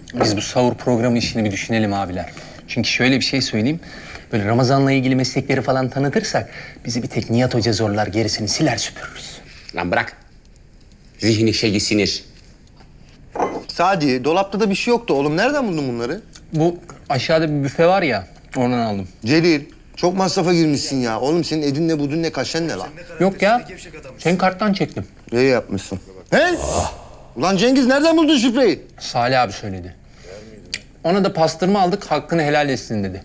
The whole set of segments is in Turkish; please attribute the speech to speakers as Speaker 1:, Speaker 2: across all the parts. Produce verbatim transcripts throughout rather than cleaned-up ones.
Speaker 1: Biz bu sahur programı işini bir düşünelim abiler. Çünkü şöyle bir şey söyleyeyim. Böyle Ramazan'la ilgili meslekleri falan tanıtırsak bizi bir tek Nihat Hoca zorlar, gerisini siler süpürürüz.
Speaker 2: Lan bırak. Zihni şeyi sinir.
Speaker 3: Sadi, dolapta da bir şey yoktu oğlum. Nereden buldun bunları?
Speaker 1: Bu aşağıda bir büfe var ya, oradan aldım.
Speaker 3: Celil, çok masrafa girmişsin ya. Oğlum senin edin ne budun ne kaşen ne lan?
Speaker 1: Yok ya, senin karttan çektim.
Speaker 3: İyi yapmışsın. He? Ulan Cengiz nereden buldun şifreyi?
Speaker 1: Salih abi söyledi. Ona da pastırma aldık, hakkını helal etsin dedi.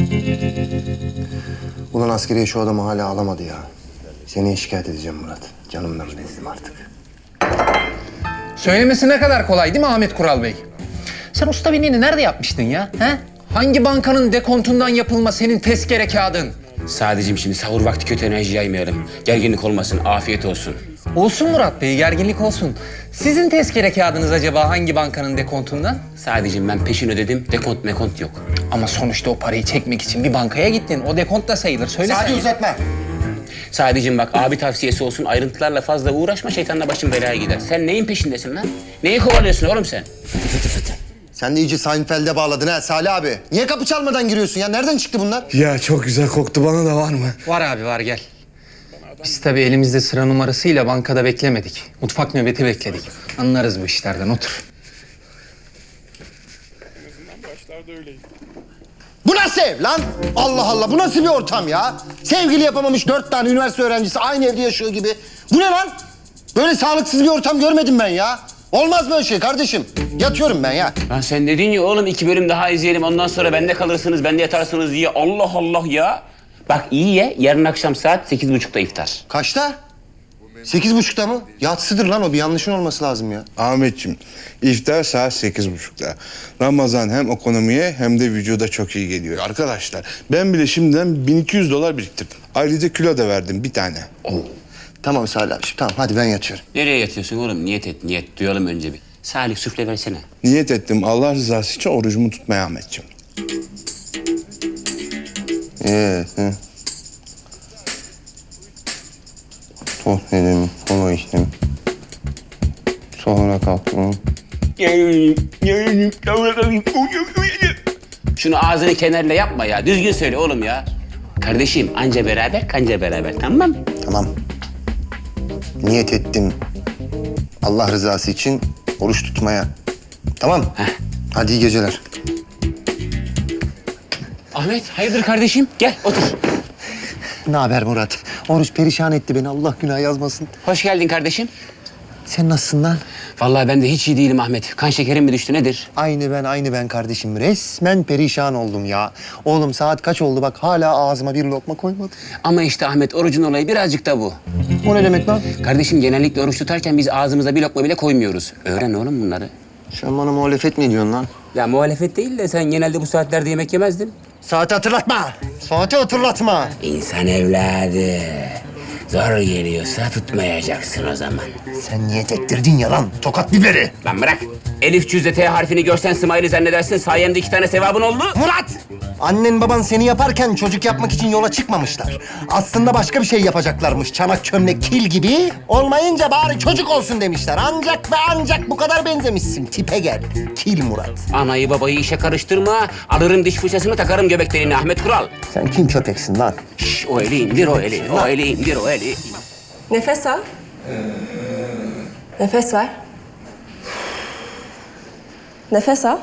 Speaker 3: Ulan askeriye şu adamı hala alamadı ya. Seni şikayet edeceğim Murat. Canımdan bezdim artık.
Speaker 1: Söylemesi ne kadar kolay değil mi Ahmet Kural Bey? Sen usta binliğini nerede yapmıştın ya? He? Hangi bankanın dekontundan yapılma senin tezkere kağıdın?
Speaker 2: Sadece şimdi sahur vakti kötü enerji yaymayalım. Gerginlik olmasın, afiyet olsun.
Speaker 1: Olsun Murat Bey, gerginlik olsun. Sizin tezkere kağıdınız acaba hangi bankanın dekontundan?
Speaker 2: Sadece ben peşin ödedim, dekont mekont yok.
Speaker 1: Ama sonuçta o parayı çekmek için bir bankaya gittin. O dekont da sayılır. Söyle
Speaker 3: Sadi
Speaker 1: sen.
Speaker 3: uzatma.
Speaker 2: Sadece bak abi tavsiyesi olsun, ayrıntılarla fazla uğraşma, şeytanla başın belaya gider. Sen neyin peşindesin lan? Neyi kovalıyorsun oğlum sen? Fıtı fıtı fıtı.
Speaker 3: Sen de iyice Seinfeld'e bağladın ha Salih abi. Niye kapı çalmadan giriyorsun ya? Nereden çıktı bunlar?
Speaker 4: Ya çok güzel koktu, bana da var mı?
Speaker 1: Var abi var, gel. Biz tabii elimizde sıra numarasıyla bankada beklemedik. Mutfak nöbeti bekledik. Anlarız bu işlerden, otur.
Speaker 3: Bu nasıl ev lan? Allah Allah, bu nasıl bir ortam ya? Sevgili yapamamış dört tane üniversite öğrencisi aynı evde yaşıyor gibi. Bu ne lan? Böyle sağlıksız bir ortam görmedim ben ya. Olmaz böyle şey kardeşim. Yatıyorum ben ya.
Speaker 2: Lan sen dedin ya oğlum iki bölüm daha izleyelim, ondan sonra bende kalırsınız, bende yatarsınız diye. Allah Allah ya. Bak iyi ye, yarın akşam saat sekiz buçukta iftar.
Speaker 3: Kaçta? Sekiz buçukta mı? Yatsıdır lan o, bir yanlışın olması lazım ya.
Speaker 4: Ahmetciğim, iftar saat sekiz buçukta. Ramazan hem ekonomiye hem de vücuda çok iyi geliyor. Arkadaşlar, ben bile şimdiden bin iki yüz dolar biriktirdim. Ayrıca kilo da verdim bir tane.
Speaker 3: Tamam Salih abi, tamam hadi ben yatıyorum.
Speaker 2: Nereye yatıyorsun oğlum? Niyet et, niyet. Duyalım önce bir. Salih süfle versene.
Speaker 4: Niyet ettim Allah rızası için orucumu tutmaya Ahmetciğim.
Speaker 3: Evet. He. Tost yedim, kola içtim. Sonra kalktım.
Speaker 2: Şunu ağzını kenarla yapma ya. Düzgün söyle oğlum ya. Kardeşim anca beraber kanca beraber, tamam mı?
Speaker 3: Tamam. Niyet ettim. Allah rızası için oruç tutmaya. Tamam.
Speaker 2: Heh.
Speaker 3: Hadi iyi geceler.
Speaker 2: Ahmet hayırdır kardeşim? Gel otur.
Speaker 3: Ne haber Murat? Oruç perişan etti beni. Allah günah yazmasın.
Speaker 2: Hoş geldin kardeşim.
Speaker 3: Sen nasılsın lan?
Speaker 2: Vallahi ben de hiç iyi değilim Ahmet. Kan şekerim mi düştü nedir?
Speaker 3: Aynı ben, aynı ben kardeşim. Resmen perişan oldum ya. Oğlum saat kaç oldu bak, hala ağzıma bir lokma koymadım.
Speaker 2: Ama işte Ahmet orucun olayı birazcık da bu.
Speaker 3: O ne demek lan?
Speaker 2: Kardeşim genellikle oruç tutarken biz ağzımıza bir lokma bile koymuyoruz. Öğren oğlum bunları.
Speaker 3: Sen bana muhalefet mi ediyorsun lan?
Speaker 2: Ya muhalefet değil de sen genelde bu saatlerde yemek yemezdin.
Speaker 3: Saati hatırlatma. Saati hatırlatma.
Speaker 2: İnsan evladı. Zor geliyorsa tutmayacaksın o zaman.
Speaker 3: Sen niyet ettirdin ya lan. Tokat biberi.
Speaker 2: Lan bırak. Elif cüzde T harfini görsen Smiley zannedersin. Sayemde iki tane sevabın oldu.
Speaker 3: Murat! Annen baban seni yaparken çocuk yapmak için yola çıkmamışlar. Aslında başka bir şey yapacaklarmış. Çanak çömlek kil gibi. Olmayınca bari çocuk olsun demişler. Ancak ve ancak bu kadar benzemişsin. Tipe gel. Kil Murat.
Speaker 2: Anayı babayı işe karıştırma. Alırım diş fırçasını takarım göbek deliğine Ahmet Kural.
Speaker 3: Sen kim köpeksin lan?
Speaker 2: Şş, o eli indir o eli. O eli indir o eli.
Speaker 5: Nefes al. Nefes ver. Nefes al.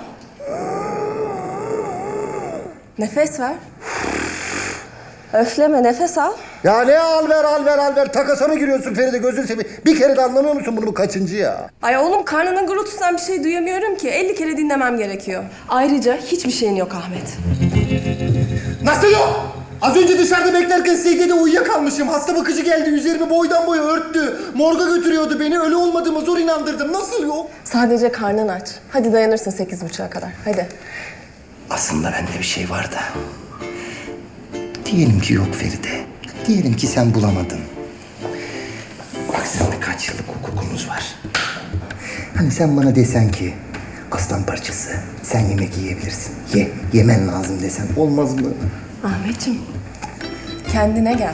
Speaker 5: Nefes ver. Öfleme, nefes al.
Speaker 3: Ya ne al ver al ver al ver. Takasa mı giriyorsun Feride, gözünü seveyim. Bir kere de anlamıyor musun bunu, bu kaçıncı ya?
Speaker 5: Ay oğlum, karnının gurultusundan bir şey duyamıyorum ki. elli kere dinlemem gerekiyor. Ayrıca hiçbir şeyin yok Ahmet.
Speaker 3: Nasıl yok? Az önce dışarıda beklerken secdede uyuyakalmışım. Hasta bakıcı geldi, üzerimi boydan boya örttü. Morga götürüyordu beni, öyle olmadığımı zor inandırdım. Nasıl yok?
Speaker 5: Sadece karnın aç. Hadi dayanırsın sekiz buçuğa kadar. Hadi.
Speaker 6: Aslında bende bir şey var da. Diyelim ki yok Feride. Diyelim ki sen bulamadın. Bak seninle kaç yıllık hukukumuz var. Hani sen bana desen ki aslan parçası sen yemek yiyebilirsin. Ye, yemen lazım desen olmaz mı?
Speaker 5: Ahmetciğim, kendine gel.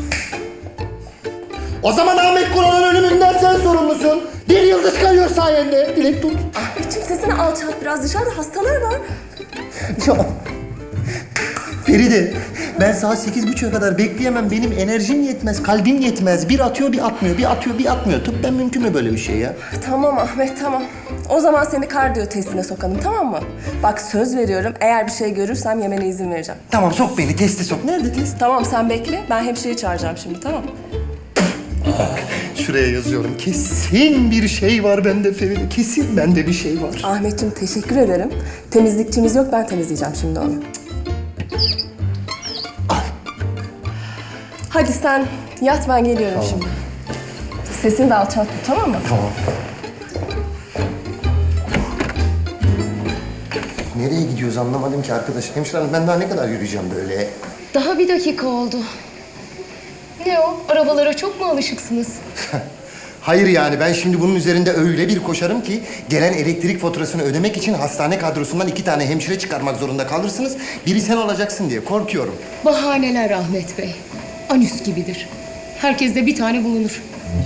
Speaker 3: O zaman Ahmet Kural'ın ölümünden sen sorumlusun. Bir yıldız kayıyor sayende. Dilek tut.
Speaker 5: Ahmetciğim, sesini sesini alçalt biraz. Dışarıda hastalar var.
Speaker 6: Ya, Feride, ben saat sekiz buçuğa kadar bekleyemem. Benim enerjim yetmez, kalbim yetmez. Bir atıyor, bir atmıyor, bir atıyor, bir atmıyor. Tıbben mümkün mü böyle bir şey ya?
Speaker 5: Tamam Ahmet, tamam. O zaman seni kardiyo testine sokalım, tamam mı? Bak söz veriyorum, eğer bir şey görürsem yemene izin vereceğim.
Speaker 6: Tamam, sok beni, teste sok. Nerede test?
Speaker 5: Tamam, sen bekle. Ben hemşireyi çağıracağım şimdi, tamam mı?
Speaker 6: Şuraya yazıyorum. Kesin bir şey var bende Feride. Kesin bende bir şey var.
Speaker 5: Ahmetciğim teşekkür ederim. Temizlikçimiz yok, ben temizleyeceğim şimdi onu. Hadi sen yat, ben geliyorum şimdi. Sesini de alçalt tut, tamam mı?
Speaker 6: Tamam. Nereye gidiyoruz anlamadım ki arkadaş. Hemşire hanım, ben daha ne kadar yürüyeceğim böyle?
Speaker 7: Daha bir dakika oldu. Ne o? Arabalara çok mu alışıksınız?
Speaker 6: Hayır yani ben şimdi bunun üzerinde öyle bir koşarım ki gelen elektrik faturasını ödemek için hastane kadrosundan iki tane hemşire çıkarmak zorunda kalırsınız. Biri sen olacaksın diye korkuyorum.
Speaker 7: Bahaneler Ahmet Bey. Anüs gibidir. Herkeste bir tane bulunur.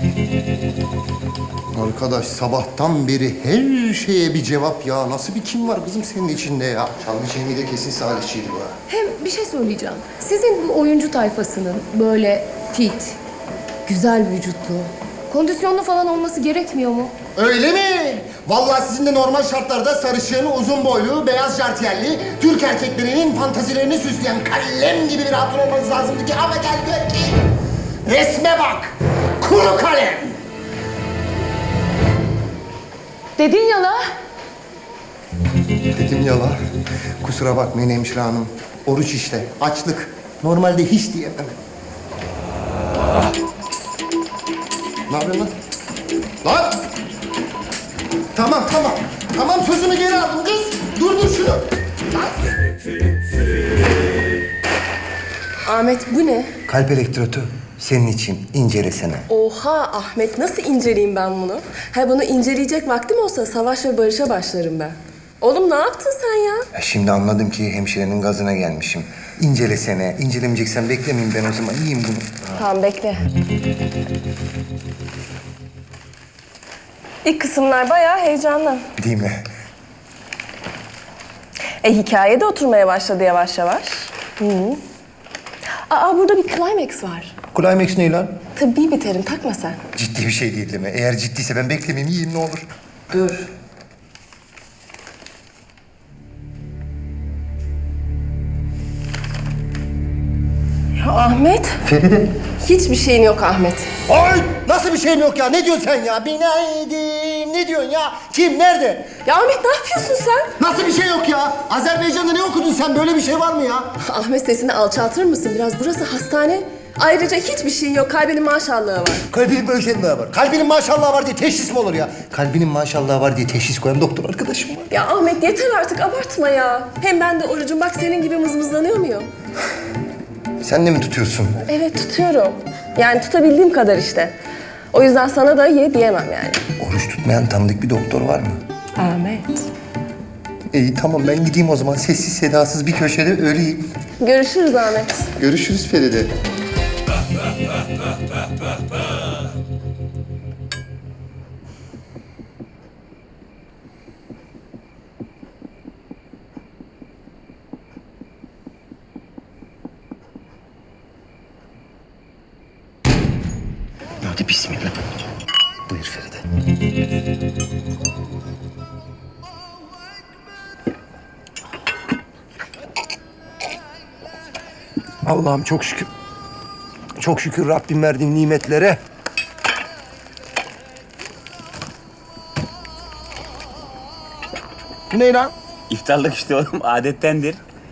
Speaker 6: Arkadaş sabahtan beri her şeye bir cevap ya. Nasıl bir kim var kızım senin içinde ya? Çalgı Cemil de kesin Salihçiydi bu.
Speaker 7: Hem bir şey söyleyeceğim. Sizin bu oyuncu tayfasının böyle fit, güzel vücutlu, kondisyonlu falan olması gerekmiyor mu?
Speaker 6: Öyle mi? Vallahi sizin de normal şartlarda sarışın, uzun boylu, beyaz jartiyerli, Türk erkeklerinin fantazilerini süsleyen kalem gibi bir hatun olmanız lazımdı ki ama gel gör ki resme bak, kuru kalem.
Speaker 7: Dedin ya la.
Speaker 6: Dedim ya la, kusura bakmayın hemşire hanım. Oruç işte, açlık. Normalde hiç diyemem. Ne yapıyorsun lan? Lan! Tamam, tamam. Tamam, sözümü geri aldım kız. Durdur şunu. Lan!
Speaker 5: Ahmet bu ne?
Speaker 6: Kalp elektrotu senin için incelesene.
Speaker 5: Oha Ahmet, nasıl inceleyeyim ben bunu? Ha bunu inceleyecek vaktim olsa savaş ve barışa başlarım ben. Oğlum ne yaptın sen ya?
Speaker 6: Ya şimdi anladım ki hemşirenin gazına gelmişim. İncelesene. İncelemeyeceksen beklemeyeyim ben o zaman. Yiyeyim bunu.
Speaker 5: Tamam bekle. İlk kısımlar bayağı heyecanlı.
Speaker 6: Değil mi?
Speaker 5: E hikaye de oturmaya başladı yavaş yavaş. Hı -hı. Aa burada bir climax var.
Speaker 6: Climax ne lan?
Speaker 5: Tıbbi bir terim, takma sen.
Speaker 6: Ciddi bir şey değil değil mi? Eğer ciddiyse ben beklemeyeyim, yiyeyim ne olur.
Speaker 5: Dur. Ya Ahmet.
Speaker 6: Feride.
Speaker 5: Hiçbir şeyin yok Ahmet.
Speaker 6: Ay! Nasıl bir şeyim yok ya? Ne diyorsun sen ya? Binaydim. Ne diyorsun ya? Kim? Nerede?
Speaker 5: Ya Ahmet ne yapıyorsun sen?
Speaker 6: Nasıl bir şey yok ya? Azerbaycan'da ne okudun sen? Böyle bir şey var mı ya?
Speaker 5: Ahmet sesini alçaltır mısın biraz? Burası hastane. Ayrıca hiçbir şeyin yok. Kalbinin maşallahı var.
Speaker 6: Kalbinin maşallahı var. Kalbinin maşallahı var diye teşhis mi olur ya? Kalbinin maşallahı var diye teşhis koyan doktor arkadaşım var.
Speaker 5: Ya Ahmet yeter artık abartma ya. Hem ben de orucum bak senin gibi mızmızlanıyor muyum?
Speaker 6: Sen de mi tutuyorsun?
Speaker 5: Evet tutuyorum. Yani tutabildiğim kadar işte. O yüzden sana da ye diyemem yani.
Speaker 6: Oruç tutmayan tanıdık bir doktor var mı?
Speaker 5: Ahmet.
Speaker 6: İyi tamam ben gideyim o zaman. Sessiz sedasız bir köşede öleyim.
Speaker 5: Görüşürüz Ahmet.
Speaker 6: Görüşürüz Feride. Hadi bismillah. Buyur Feride. Allah'ım çok şükür. Çok şükür Rabbim verdiğin nimetlere. Bu ne lan?
Speaker 2: İftarlık işte oğlum, adettendir.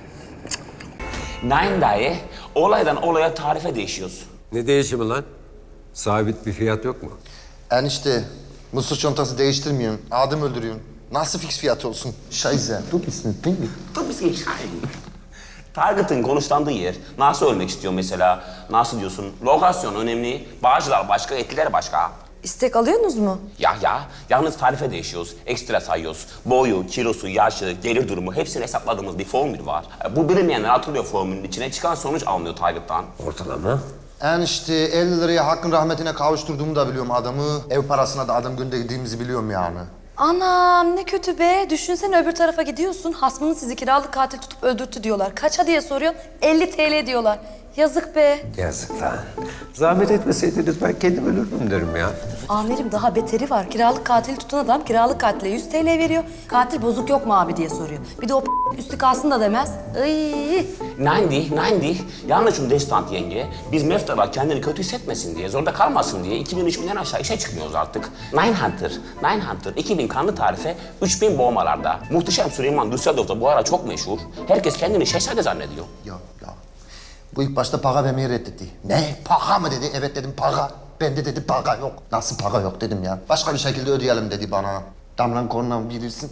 Speaker 2: Nein dayı, olaydan olaya tarife değişiyoruz.
Speaker 8: Ne değişimi lan? Sabit bir fiyat yok mu?
Speaker 3: Enişte, mısır çantası değiştirmiyorsun. Adım öldürüyorsun. Nasıl fix fiyat olsun? Şayze. Dur ismi değil mi?
Speaker 2: Tabii ki şahin. Target'ın konuşlandığı yer. Nasıl ölmek istiyor mesela? Nasıl diyorsun? Lokasyon önemli. Bağcılar başka, etkiler başka.
Speaker 9: İstek alıyorsunuz mu?
Speaker 2: Ya ya, yalnız tarife değişiyoruz. Ekstra sayıyoruz. Boyu, kilosu, yaşı, gelir durumu hepsini hesapladığımız bir formül var. Bu bilinmeyenler atılıyor formülün içine. Çıkan sonuç alınıyor Target'tan.
Speaker 8: Ortalama.
Speaker 3: Enişte elli liraya hakkın rahmetine kavuşturduğumu da biliyorum adamı. Ev parasına da adam gönderdiğimizi biliyorum yani.
Speaker 9: Anam ne kötü be. Düşünsene öbür tarafa gidiyorsun. Hasmının sizi kiralık katil tutup öldürttü diyorlar. Kaça diye soruyor. elli TL diyorlar. Yazık be.
Speaker 8: Yazık lan. Zahmet etmeseydiniz ben kendim ölürdüm derim ya.
Speaker 9: Amirim daha beteri var. Kiralık katili tutan adam kiralık katile yüz TL veriyor. Katil bozuk yok mu abi diye soruyor. Bir de o üstü kalsın da demez. Iy.
Speaker 2: Nein değil, nein değil. Yanlışım destant yenge. Biz Meftaba kendini kötü hissetmesin diye, zorda kalmasın diye iki bin üç binden aşağı işe çıkmıyoruz artık. Nine Hunter, Nine Hunter iki bin kanlı tarife, üç bin boğmalarda. Muhteşem Süleyman Düsseldorf'ta bu ara çok meşhur. Herkes kendini şehzade zannediyor.
Speaker 6: Ya ya. Bu ilk başta para vermeyi reddetti. Ne? Para mı dedi? Evet dedim para. Ben de dedi para yok. Nasıl para yok dedim ya. Başka bir şekilde ödeyelim dedi bana. Damlan kornam bilirsin.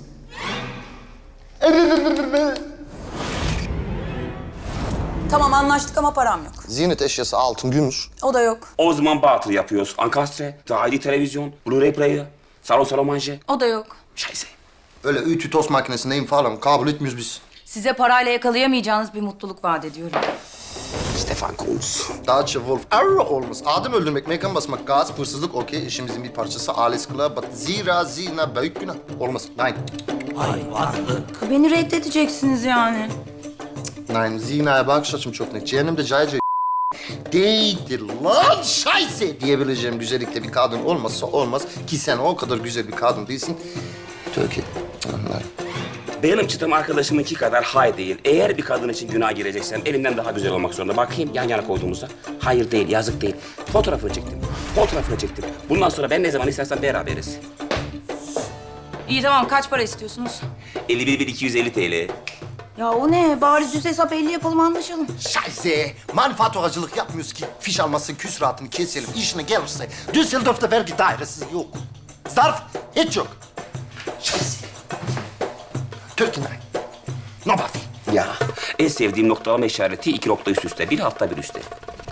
Speaker 9: Tamam anlaştık ama param yok.
Speaker 6: Ziynet eşyası altın, gümüş.
Speaker 9: O da yok.
Speaker 2: O zaman batıl yapıyoruz. Ankastre, dahili televizyon, Blu-ray player, salon salon manje.
Speaker 9: O da yok.
Speaker 2: Scheiße.
Speaker 6: Öyle ütü tost makinesindeyim falan. Kabul etmiyoruz biz.
Speaker 9: Size parayla yakalayamayacağınız bir mutluluk vaat ediyorum.
Speaker 2: Stefan Kunz.
Speaker 6: Deutsche Wolf Arr olmaz. Adım öldürmek, mekan basmak, gaz, hırsızlık okey. İşimizin bir parçası. Alles klar. But zira zina büyük günah. Olmaz. Nein.
Speaker 9: Beni reddedeceksiniz yani.
Speaker 6: Nein, zinaya bakış açım çok net. Cehennemde cayca değildir lan şayse diyebileceğim güzellikte bir kadın olmazsa olmaz. Ki sen o kadar güzel bir kadın değilsin. Türkiye. Anlar.
Speaker 2: Benim çıtım arkadaşımınki kadar hay değil. Eğer bir kadın için günah gireceksem elimden daha güzel olmak zorunda. Bakayım yan yana koyduğumuzda. Hayır değil, yazık değil. Fotoğrafını çektim. Fotoğrafını çektim. Bundan sonra ben ne zaman istersen beraberiz.
Speaker 9: İyi tamam kaç para istiyorsunuz?
Speaker 2: elli bir bin iki yüz elli TL.
Speaker 9: Ya o ne? Bari düz hesap elli yapalım anlaşalım.
Speaker 6: Şayse manfaaturacılık yapmıyoruz ki fiş almasın, küsuratını keselim. İşine gelirse Düsseldorf'ta vergi dairesi yok. Zarf hiç yok. Şayse. Türkiye. No buffy.
Speaker 2: Ya en sevdiğim noktalama işareti iki nokta üst üste. Bir altta bir üstte.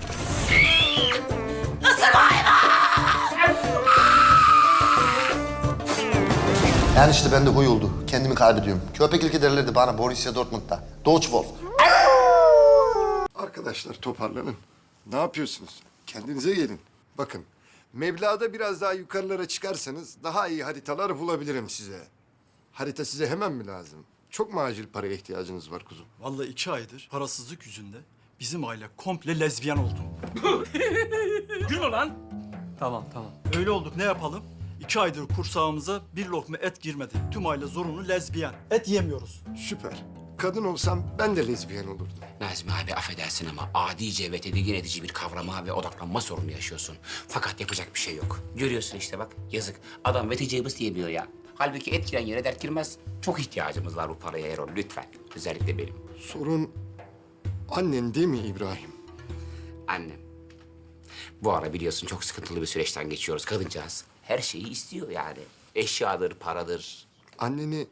Speaker 6: Yani işte bende huy oldu. Kendimi kaybediyorum. Köpek ilgi derlerdi bana Borussia Dortmund'da. Deutsche Wolf.
Speaker 10: Arkadaşlar toparlanın. Ne yapıyorsunuz? Kendinize gelin. Bakın, meblağda biraz daha yukarılara çıkarsanız daha iyi haritalar bulabilirim size. Harita size hemen mi lazım? Çok mu acil paraya ihtiyacınız var kuzum?
Speaker 11: Vallahi iki aydır parasızlık yüzünden bizim aile komple lezbiyen oldu. Gülme lan. Tamam tamam. Öyle olduk ne yapalım? İki aydır kursağımıza bir lokma et girmedi. Tüm aile zorunlu lezbiyen. Et yemiyoruz.
Speaker 10: Süper. Kadın olsam ben de lezbiyen olurdum.
Speaker 2: Nazmi abi affedersin ama adice ve tedirgin edici bir kavrama ve odaklanma sorunu yaşıyorsun. Fakat yapacak bir şey yok. Görüyorsun işte bak yazık. Adam veticebus diyemiyor ya. Halbuki et giren yere dert girmez. Çok ihtiyacımız var bu paraya Erol lütfen. Özellikle benim.
Speaker 10: Sorun annen değil mi İbrahim?
Speaker 2: Annem. Bu ara biliyorsun çok sıkıntılı bir süreçten geçiyoruz kadıncağız. Her şeyi istiyor yani. Eşyadır, paradır.
Speaker 10: Anneni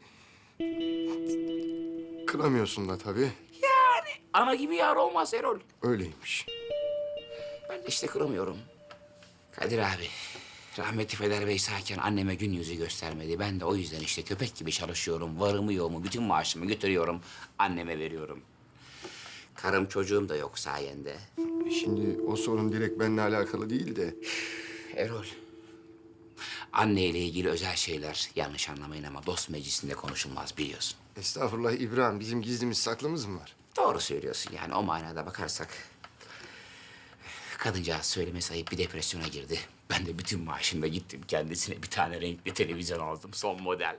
Speaker 10: kıramıyorsun da tabii.
Speaker 2: Yani ana gibi yar olmaz Erol.
Speaker 10: Öyleymiş.
Speaker 2: Ben de işte kıramıyorum. Kadir abi, rahmetli Peder Bey sağken anneme gün yüzü göstermedi. Ben de o yüzden işte köpek gibi çalışıyorum. Varımı yoğumu, bütün maaşımı götürüyorum. Anneme veriyorum. Karım çocuğum da yok sayende.
Speaker 10: Şimdi o sorun direkt benimle alakalı değil de...
Speaker 2: Erol, anneyle ilgili özel şeyler yanlış anlamayın ama dost meclisinde konuşulmaz biliyorsun.
Speaker 10: Estağfurullah İbrahim, bizim gizlimiz saklımız mı var?
Speaker 2: Doğru söylüyorsun yani o manada bakarsak. Kadıncağız söylemesi ayıp bir depresyona girdi. Ben de bütün maaşımla gittim kendisine bir tane renkli televizyon aldım son model.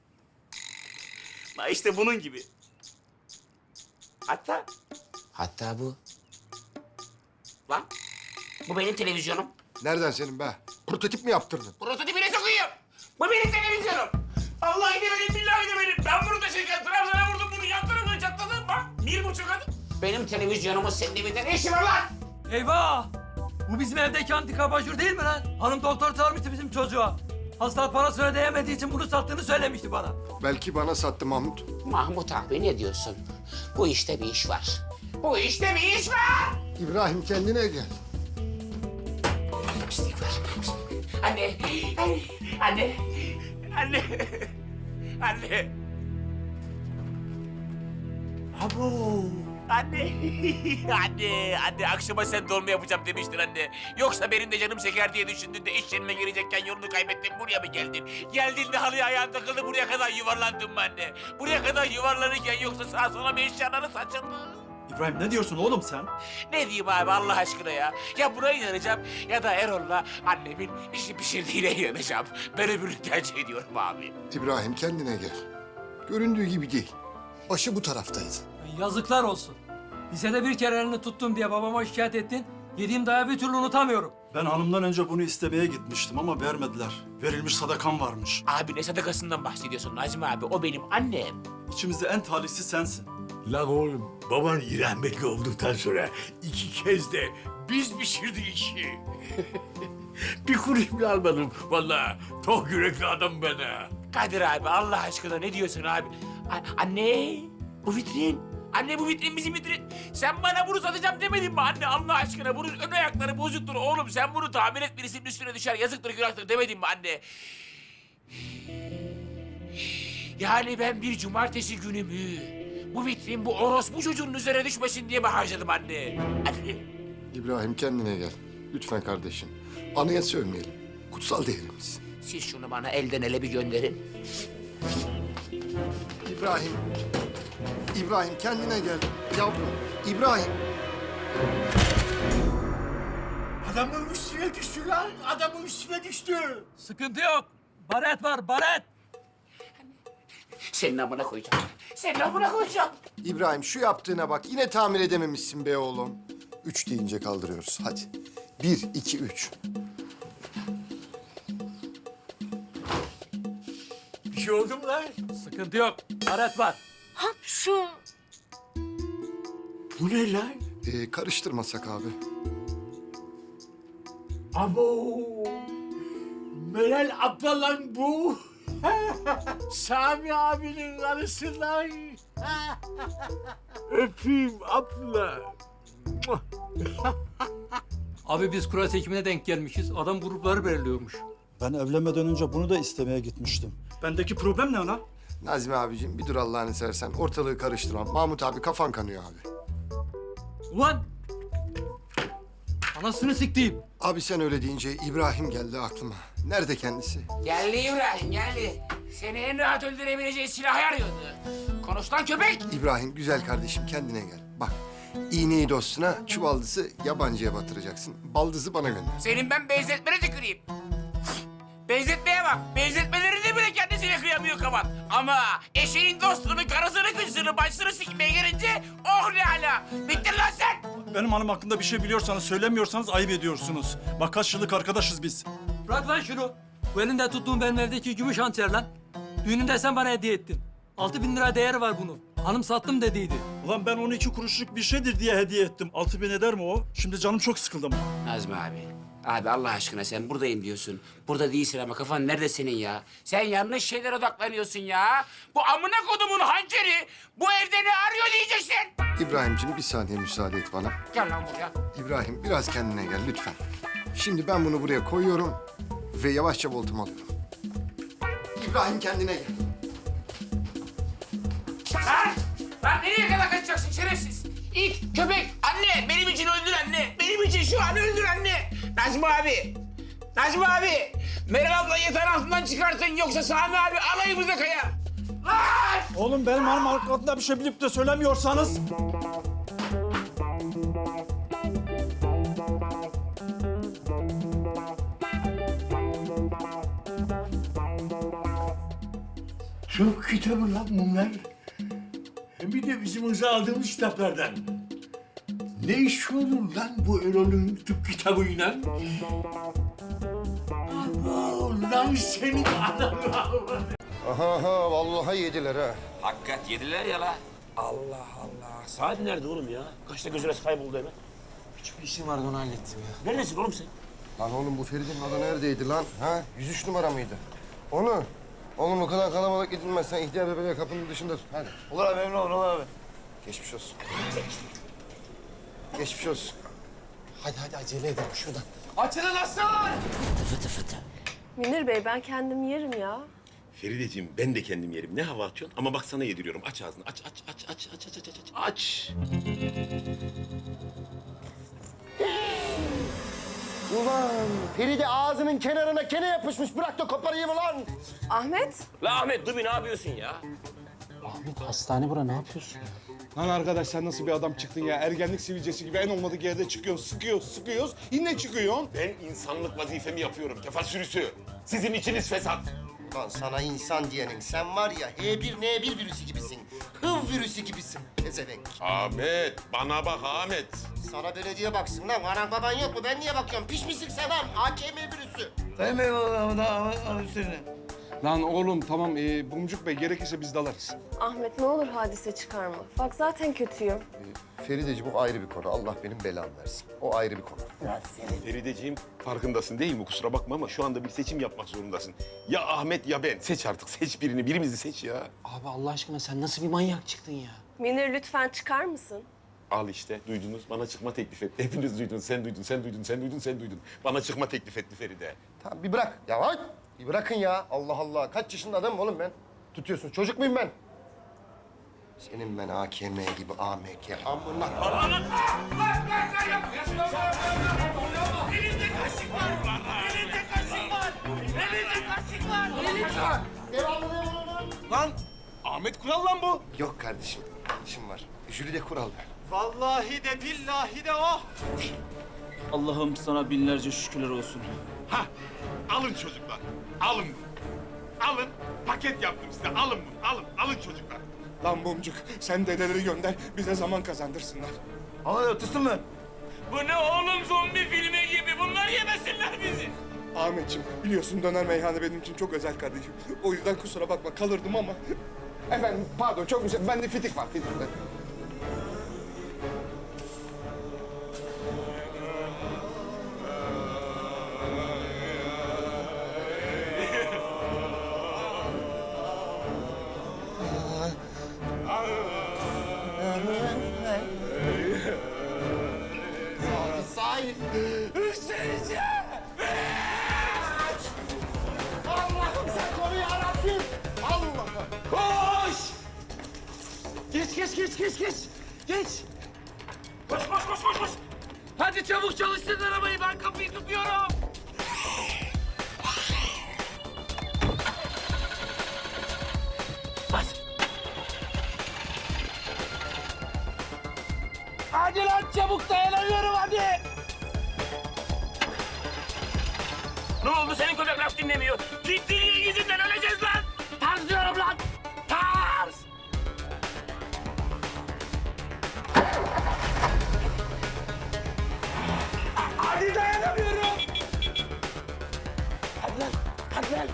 Speaker 2: Ha işte bunun gibi. Hatta... Hatta bu. Lan bu benim televizyonum.
Speaker 10: Nereden senin be? Prototip mi yaptırdın?
Speaker 2: Prototipine sokuyum. Bu benim televizyonum. Vallahi de benim, billahi de benim. Ben bunu taşırken Trabzon'a vurdum bunu yan tarafına çatladım bak. Bir buçuk adım. Benim televizyonumun senin evinde ne işi var lan?
Speaker 11: Eyvah! Bu bizim evdeki antika abajur değil mi lan? Hanım doktor çağırmıştı bizim çocuğa. Hasta parasını ödeyemediği için bunu sattığını söylemişti bana.
Speaker 10: Belki bana sattı Mahmut.
Speaker 2: Mahmut abi ne diyorsun? Bu işte bir iş var. Bu işte bir iş var.
Speaker 10: İbrahim kendine gel.
Speaker 2: Pislik var. Anne, anne, anne, anne, anne.
Speaker 11: Abo!
Speaker 2: Anne, anne, anne akşama sen dolma yapacağım demiştin anne. Yoksa benim de canım çeker diye düşündün de iş yerine girecekken yolunu kaybettin, buraya mı geldin? Geldin de halıya ayağın takıldı, buraya kadar yuvarlandın mı anne? Buraya kadar yuvarlanırken yoksa sağa sola bir eşyaları saçıldı.
Speaker 11: İbrahim ne diyorsun oğlum sen?
Speaker 2: Ne diyeyim abi Allah aşkına ya? Ya buna inanacağım ya da Erol'la annemin işi pişirdiğine inanacağım. Ben öbürünü tercih ediyorum abi.
Speaker 10: İbrahim kendine gel. Göründüğü gibi değil. Başı bu taraftaydı.
Speaker 12: Yazıklar olsun. Lisede bir kere elini tuttum diye babama şikayet ettin. Yediğim dayağı bir türlü unutamıyorum.
Speaker 11: Ben hanımdan önce bunu istemeye gitmiştim ama vermediler. Verilmiş sadakam varmış.
Speaker 2: Abi ne sadakasından bahsediyorsun Nazmi abi? O benim annem.
Speaker 11: İçimizde en talihsiz sensin.
Speaker 13: Lan oğlum, baban rahmetli olduktan sonra iki kez de biz pişirdik işi. Bir kuruş bile almadım. Vallahi tok yürekli adam ben ha.
Speaker 2: Kadir abi Allah aşkına ne diyorsun abi? A- anne bu vitrin. Anne bu vitrin bizim vitrin. Sen bana bunu satacağım demedin mi anne Allah aşkına? Bunun ön ayakları bozuktur oğlum. Sen bunu tamir et birisinin üstüne düşer. Yazıktır günahtır demedin mi anne? Yani ben bir cumartesi günümü bu vitrin bu orospu çocuğunun üzerine düşmesin diye mi harcadım anne? Anne.
Speaker 10: İbrahim kendine gel. Lütfen kardeşim. Anaya sövmeyelim. Kutsal değerimiz.
Speaker 2: Siz şunu bana elden ele bir gönderin.
Speaker 10: İbrahim. İbrahim kendine gel. Yavrum. İbrahim.
Speaker 13: Adamın üstüne düştü lan. Adamın üstüne düştü.
Speaker 12: Sıkıntı yok. Baret var, baret.
Speaker 2: Senin amına koyacağım. Senin amına koyacağım.
Speaker 10: İbrahim şu yaptığına bak. Yine tamir edememişsin be oğlum. Üç deyince kaldırıyoruz. Hadi. Bir, iki, üç.
Speaker 13: Bir şey oldu mu lan?
Speaker 12: Sıkıntı yok. Baret var.
Speaker 13: Bu ne lan?
Speaker 10: Ee, karıştırmasak abi.
Speaker 13: Abo! Meral abla lan bu. Sami abinin karısı lan. Öpeyim abla.
Speaker 12: Abi biz kura çekimine denk gelmişiz. Adam grupları belirliyormuş.
Speaker 11: Ben evlenmeden önce bunu da istemeye gitmiştim. Bendeki problem ne lan?
Speaker 10: Nazmi abicim bir dur Allah'ını seversen. Ortalığı karıştırma. Mahmut abi kafan kanıyor abi.
Speaker 12: Ulan! Anasını siktiğim.
Speaker 10: Abi sen öyle deyince İbrahim geldi aklıma. Nerede kendisi?
Speaker 2: Geldi İbrahim geldi. Seni en rahat öldürebileceği silahı arıyordu. Konuş lan köpek.
Speaker 10: İbrahim güzel kardeşim kendine gel. Bak iğneyi dostuna, çuvaldızı yabancıya batıracaksın. Baldızı bana gönder.
Speaker 2: Senin ben benzetmene tüküreyim. Benzetmeye bak. Benzetmelerini bile kendisine kıyamıyor kavat. Ama eşeğin dostunu, karısını, kızını, başını sikmeye gelince oh ne hala. Bittin lan sen.
Speaker 11: Benim hanım hakkında bir şey biliyorsanız söylemiyorsanız ayıp ediyorsunuz. Bak kaç yıllık arkadaşız biz.
Speaker 12: Bırak lan şunu. Bu elinde tuttuğum benim evdeki gümüş hançer lan. Düğününde sen bana hediye ettin. Altı bin lira değeri var bunun. Hanım sattım dediydi.
Speaker 11: Ulan ben onu iki kuruşluk bir şeydir diye hediye ettim. Altı bin eder mi o? Şimdi canım çok sıkıldı ama.
Speaker 2: Nazmi abi. Abi Allah aşkına sen buradayım diyorsun. Burada değilsin ama kafan nerede senin ya? Sen yanlış şeylere odaklanıyorsun ya. Bu amına kodumun hançeri bu evde ne arıyor diyeceksin.
Speaker 10: İbrahimciğim bir saniye müsaade et bana.
Speaker 2: Gel lan buraya.
Speaker 10: İbrahim biraz kendine gel lütfen. Şimdi ben bunu buraya koyuyorum ve yavaşça voltumu alıyorum. İbrahim kendine gel.
Speaker 2: Ha? Lan nereye kadar kaçacaksın şerefsiz? İt, köpek, anne benim için öldür anne. Benim için şu an öldür anne. Nazmi abi. Nazmi abi. Meral abla yatağın altından çıkartın yoksa Sami abi alayımıza kayar. Lan!
Speaker 11: Oğlum benim hanım hakkında bir şey bilip de söylemiyorsanız...
Speaker 13: Çok kitabı lan bunlar. Hem bir de bizim hıza aldığımız kitaplardan. Ne iş olur lan bu Erol'un tıp kitabıyla? Abo lan senin adamı.
Speaker 10: Aha aha vallahi yediler ha.
Speaker 2: Hakikat yediler ya la. Allah Allah. Saat nerede oğlum ya? Kaçta gözüne kayboldu hemen?
Speaker 1: Küçük bir işim vardı onu hallettim ya.
Speaker 2: Neredesin oğlum sen?
Speaker 10: Lan oğlum bu Feridun adı neredeydi lan? Ha? yüz üç numara mıydı? Onu. Oğlum o kadar kalabalık gidilmez. Sen ihtiyar bebeği kapının dışında tut. Hadi.
Speaker 3: Olur abi emin olur abi.
Speaker 10: Geçmiş olsun. Geçmiş olsun.
Speaker 1: Hadi hadi acele edelim şuradan.
Speaker 12: Açılın aslan!
Speaker 5: Münir Bey ben kendim yerim ya.
Speaker 13: Ferideciğim ben de kendim yerim. Ne hava atıyorsun? Ama bak sana yediriyorum. Aç ağzını. Aç aç aç aç aç aç aç aç. Aç.
Speaker 3: Ulan Feride ağzının kenarına kene yapışmış. Bırak da koparayım ulan.
Speaker 5: Ahmet,
Speaker 2: La Ahmet dur bir ne yapıyorsun ya?
Speaker 1: Ahmet hastane bura, ne yapıyorsun?
Speaker 4: Lan arkadaş sen nasıl bir adam çıktın ya? Ergenlik sivilcesi gibi en olmadık yerde çıkıyorsun, sıkıyoruz, sıkıyoruz. Yine çıkıyorsun.
Speaker 13: Ben insanlık vazifemi yapıyorum. Kefa sürüsü. Sizin içiniz fesat.
Speaker 3: Lan sana insan diyenin sen var ya H bir N bir virüsü gibisin. Hıv virüsü gibisin pezevenk.
Speaker 13: Ahmet, bana bak Ahmet.
Speaker 3: Sana belediye baksın lan. Anan baban yok mu? Ben niye bakıyorum? Pişmişsin sen lan. A K M virüsü.
Speaker 4: Lan oğlum tamam ee, Bumcuk Bey gerekirse biz dalarız.
Speaker 5: Ahmet ne olur hadise çıkarma. Bak zaten kötüyüm.
Speaker 3: Ferideciğim o ayrı bir konu. Allah benim belamı versin. O ayrı bir konu.
Speaker 13: Ferideciğim farkındasın değil mi? Kusura bakma ama şu anda bir seçim yapmak zorundasın. Ya Ahmet ya ben. Seç artık. Seç birini. Birimizi seç ya.
Speaker 1: Abi Allah aşkına sen nasıl bir manyak çıktın ya?
Speaker 5: Münir lütfen çıkar mısın?
Speaker 13: Al işte duydunuz. Bana çıkma teklif etti. Hepiniz duydunuz. Sen duydun, sen duydun, sen duydun, sen duydun. Bana çıkma teklif etti Feride.
Speaker 3: Tamam bir bırak. Ya bak. Bir bırakın ya. Allah Allah. Kaç yaşında adamım oğlum ben? Tutuyorsun. Çocuk muyum ben? Senin ben A K M gibi A M K. Amına.
Speaker 13: Elinde kaşık var. Elinde kaşık var. Elinde kaşık var. Elinde.
Speaker 3: Devamlı ne var lan?
Speaker 13: Lan Ahmet Kural lan bu.
Speaker 3: Yok kardeşim. İşim var. Jülide kural.
Speaker 11: Vallahi de billahi de o.
Speaker 12: Allah'ım sana binlerce şükürler olsun.
Speaker 13: Ha, alın çocuklar. Alın bunu. Alın. Paket yaptım size. Alın bunu. Alın. Alın çocuklar.
Speaker 4: Lan Bumcuk sen dedeleri gönder bize zaman kazandırsınlar.
Speaker 11: Ama ötüsün mü?
Speaker 13: Bu ne oğlum zombi filmi gibi. Bunlar yemesinler bizi.
Speaker 4: Ahmetciğim biliyorsun döner meyhane benim için çok özel kardeşim. O yüzden kusura bakma kalırdım ama. Efendim pardon çok güzel. Bende fitik var fitik.
Speaker 3: Sahip. Allah'ım sen koru yarabbim. Allah'ım.
Speaker 13: Koş! Geç, geç, geç, geç, geç. Geç. Koş, koş, koş, koş, koş. Hadi çabuk çalıştır arabayı. Ben kapıyı tutuyorum. Bas. Hadi lan çabuk dayanamıyorum hadi. Ne oldu senin köpek laf dinlemiyor? Gittiğin yüzünden öleceğiz lan. Tarz diyorum lan. Tarz. Hadi dayanamıyorum. Hadi lan. Hadi lan.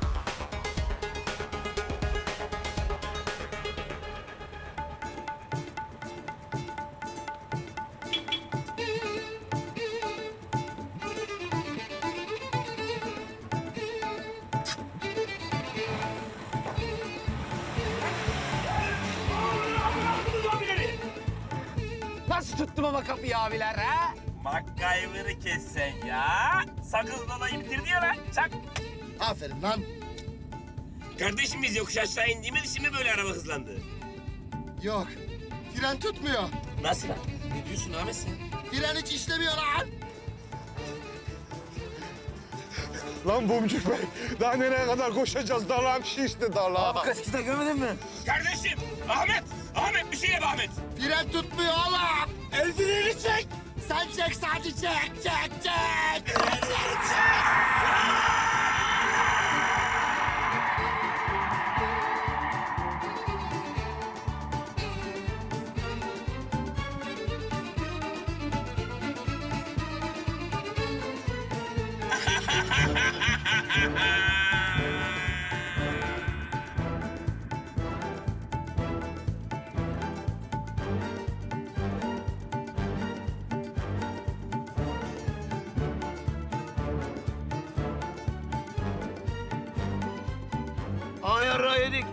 Speaker 1: Nasıl tuttum ama kapıyı abiler ha?
Speaker 2: MacGyver'ı kes sen ya. Sakız dolayı bitirdi ya lan. Çak.
Speaker 3: Aferin lan.
Speaker 2: Kardeşim biz yokuş aşağı indiğimiz için mi böyle araba hızlandı?
Speaker 3: Yok. Fren tutmuyor.
Speaker 2: Nasıl lan? Ne diyorsun Ahmet sen?
Speaker 3: Fren hiç işlemiyor lan.
Speaker 4: Lan Bumcuk Bey daha nereye kadar koşacağız? Darlağım şişti darlağım.
Speaker 11: Kaçkıda görmedin mi?
Speaker 2: Kardeşim! Ahmet! Ahmet bir şey yap Ahmet!
Speaker 3: Fren tutmuyor oğlum.
Speaker 2: El freni çek!
Speaker 3: Sen çek sadece çek çek çek.
Speaker 11: Ay yarrağı yedik.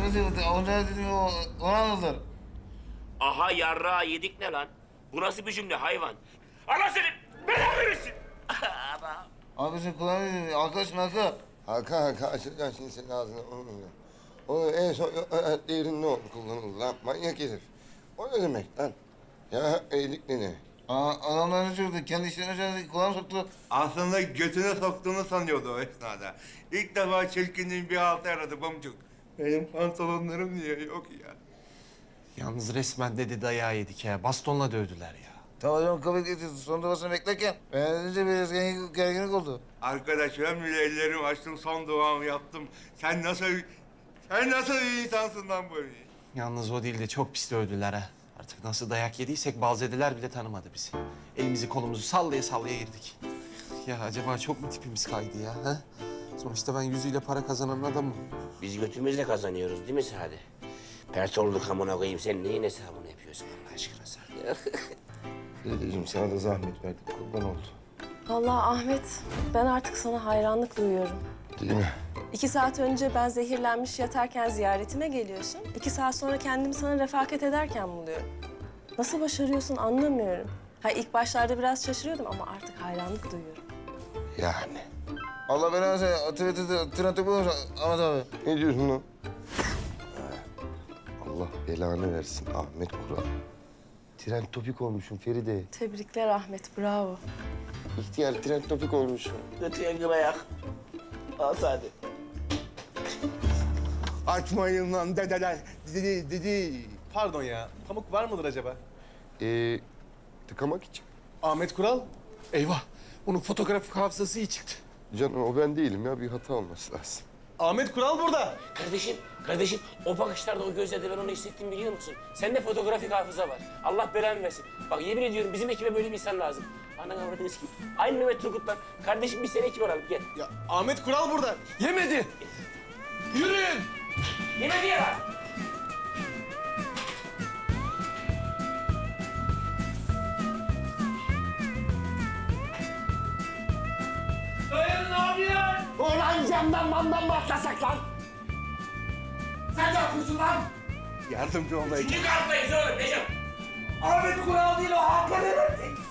Speaker 6: Onca dedim onu anladılar.
Speaker 2: Aha yarrağı yedik ne lan? Bu nasıl bir cümle hayvan? Allah seni belanı verirsin.
Speaker 6: Abi sen kulağını arkadaşın Hakan.
Speaker 10: Hakan Hakan açacaksın şimdi senin ağzına. O en son değerin ne oldu kullanıldı lan manyak herif. O ne demek lan? Ya iyilik ne ne?
Speaker 6: Aa, adamlar ne söyledi? Kendi işlerine söyledi. Kulağını soktu.
Speaker 4: Aslında götüne soktuğunu sanıyordu o esnada. İlk defa çirkinliğin bir altı aradı bamcuk. Benim pantolonlarım niye yok ya?
Speaker 8: Yalnız resmen dedi dayağı yedik ya. Bastonla dövdüler ya.
Speaker 6: Tamam canım kabul ediyorsun. Son duasını beklerken. Beğenince biraz gergin- gerginlik oldu.
Speaker 4: Arkadaş ben bile ellerimi açtım, son duamı yaptım. Sen nasıl, sen nasıl bir insansın lan böyle?
Speaker 8: Yalnız o değil de çok pis dövdüler ha. Artık nasıl dayak yediysek balzediler bile tanımadı bizi. Elimizi kolumuzu sallaya sallaya girdik. Ya acaba çok mu tipimiz kaydı ya? Ha? Sonuçta ben yüzüyle para kazanan adamım.
Speaker 2: Biz götümüzle kazanıyoruz değil mi Sade? Pert olduk amına koyayım. Sen neyin hesabını yapıyorsun Allah aşkına Sade?
Speaker 10: Dedeciğim sana da zahmet verdik kurban oldu.
Speaker 5: Vallahi Ahmet, ben artık sana hayranlık duyuyorum.
Speaker 10: Değil mi?
Speaker 5: İki saat önce ben zehirlenmiş yatarken ziyaretime geliyorsun. İki saat sonra kendimi sana refakat ederken buluyorum. Nasıl başarıyorsun anlamıyorum. Ha ilk başlarda biraz şaşırıyordum ama artık hayranlık duyuyorum.
Speaker 10: Yani.
Speaker 6: Allah belanı versin. Twitter'da tren topu olmuş Ahmet abi.
Speaker 10: Ne diyorsun lan? Allah belanı versin Ahmet Kural. Tren topik olmuşum Feride.
Speaker 5: Tebrikler Ahmet, bravo.
Speaker 10: İhtiyar tren topik olmuşum.
Speaker 2: Götüye gül ayak. Al Sade.
Speaker 4: Açmayın lan dedeler. Dedi, dedi.
Speaker 8: Pardon ya. Pamuk var mıdır acaba?
Speaker 10: Ee, tıkamak için.
Speaker 8: Ahmet Kural. Eyvah. Bunun fotoğrafik hafızası iyi çıktı.
Speaker 10: Canım o ben değilim ya bir hata olması lazım.
Speaker 8: Ahmet Kural burada.
Speaker 2: Kardeşim, kardeşim o bakışlarda, o gözlerde ben onu hissettim biliyor musun? Sende fotoğrafik hafıza var. Allah belanı versin. Bak yemin ediyorum bizim ekibe böyle bir insan lazım. Ana avradınız ki. Aynı Mehmet Turgut'tan. Kardeşim biz seni ekip alalım gel.
Speaker 8: Ya Ahmet Kural burada. Yemedi. Yürüyün.
Speaker 2: Yemedi ya.
Speaker 12: Dayanın abiler!
Speaker 2: Ulan camdan mamdan mı atlasak lan? Sen ne yapıyorsun lan?
Speaker 4: Yardımcı olayım.
Speaker 2: Şimdi kalktayız oğlum Necip. Ahmet Kural değil o Hakan Eren'di.